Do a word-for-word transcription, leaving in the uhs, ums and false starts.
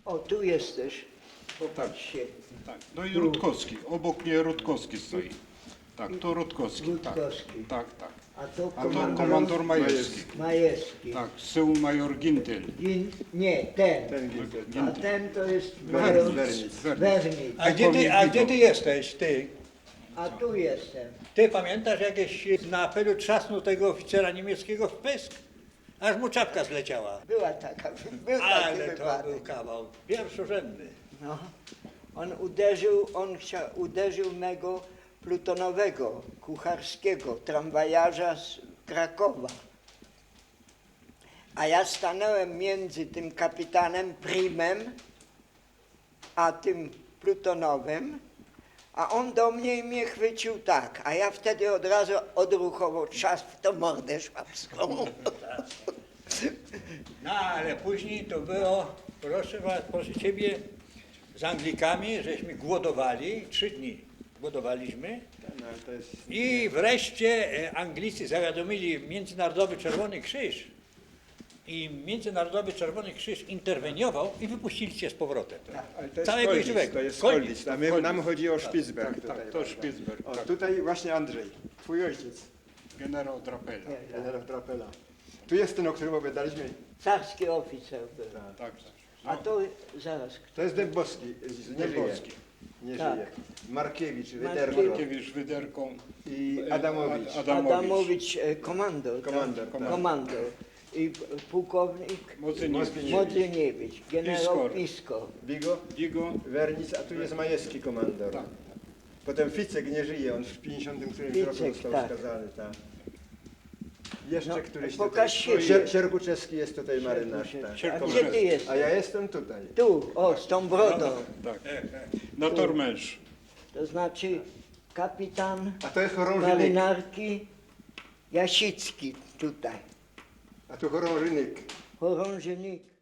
O, tu jesteś. Popatrzcie. Tak. No i Rutkowski. Obok mnie Rutkowski stoi. Tak, to Rutkowski. Rutkowski. Tak, tak, tak. A to A to komandor komandor Majewski. Majewski. Tak, z tyłu major Gintel. Gin, nie, ten. Ten Gintel. A ten to jest major Wernic. Wernic. A gdzie ty, a gdzie ty jesteś, ty? A tu jestem. Ty pamiętasz, jakieś na apelu trzasnął tego oficera niemieckiego w pysk? Aż mu czapka zleciała. Była taka, był taki Ale to wypadek. był kawał pierwszorzędny. No. On uderzył, on chciał, uderzył mego plutonowego, kucharskiego, tramwajarza z Krakowa. A ja stanąłem między tym kapitanem Primem, a tym plutonowym, a on do mnie i mnie chwycił tak, a ja wtedy od razu odruchowo czas w tą mordę szwabską. No ale później to było, proszę was, proszę ciebie, z Anglikami, żeśmy głodowali, trzy dni głodowaliśmy No, ale to jest... i wreszcie e, Anglicy zawiadomili Międzynarodowy Czerwony Krzyż i Międzynarodowy Czerwony Krzyż interweniował i wypuścili cię z powrotem. Ale to jest Całego i Koldic, żywego. to jest Koldic, Koldic. A my, nam chodzi o Spitsberg Tak, tutaj. tak, to prawda? Spitsberg. O, Tak. tutaj właśnie Andrzej, twój ojciec, Generał Drapela. generał Drapela. Tu jest ten, o którym opowiadaliśmy. Carski oficer był. Tak, tak. A to zaraz. To jest Dębowski, z- nie żyje. Dębowski. Nie Tak. żyje. Markiewicz, Markiewicz. Wyderko Markiewicz, Wyderką. i Adamowicz. Ad- Adamowicz. Adamowicz, e, komandor. tak? Komandor, tak. Komandor. I p- pułkownik Modzyniewicz. Modzyniewicz, generał Piskor. Pisko. Bigo, Digo. Wernic, a tu jest Majewski komandor. Tak. Potem Ficek nie żyje, on w pięćdziesiątym którymś roku Ficek, został tak. skazany. Tak. Jeszcze No, któryś pokaż tutaj. się. Sier, Sierkuczewski jest tutaj marynarz. Tak. A Sierkowski. gdzie ty jesteś? A ja jestem tutaj. Tu, o, z tą brodą. Tak. Na Tormęż. To znaczy kapitan A to jest chorążynek. marynarki Jasicki tutaj. A tu chorążynek. Chorążynik.